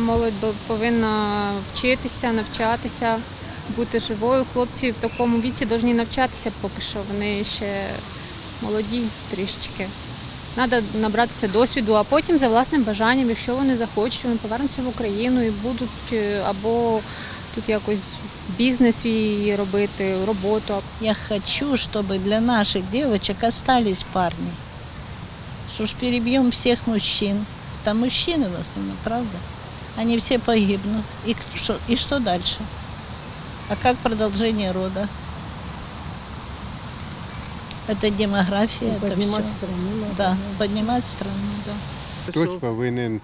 молодь повинна вчитися, навчатися, бути живою. Хлопці в такому віці повинні навчатися поки що, вони ще молоді трішечки. Треба набратися досвіду, а потім за власним бажанням, якщо вони захочуть, вони повернуться в Україну і будуть або тут якось бізнес свій робити, роботу. Я хочу, чтобы для наших девочек остались парни. Что ж перебьем всех мужчин. Там мужчины в основном, правда? Они все погибнут. И что дальше? А как продолжение рода? Это демография, это Поднимать все. страну надо. Да, поднимать страну, да. Хтось повинен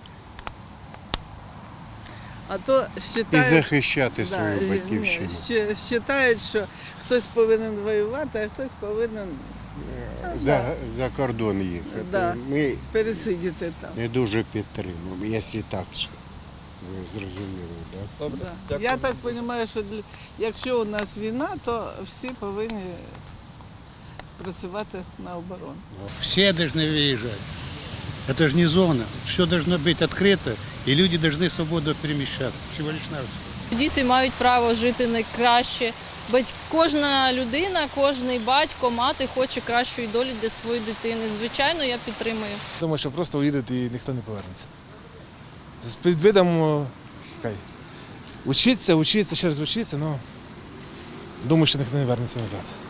А то і вважають, захищати свою батьківщину. вважають, що хтось повинен воювати, а хтось повинен За кордон їхати. Да. Ми пересидіти там. не дуже підтримуємо, якщо так, ви зрозуміли, так? Да. Я так розумію, що якщо у нас війна, то всі повинні працювати на оборону. Все должны выезжать. Это же не зона. Все должно быть открыто, и люди должны свободно перемещаться. Всего лишь навсего. Діти мають право жити найкраще. Кожна людина, кожний батько, мати хоче кращої долі для своєї дитини. Звичайно, я підтримую. Думаю, що просто уїдуть і ніхто не повернеться. З під видом учиться, ще раз учиться, але думаю, що ніхто не вернеться назад.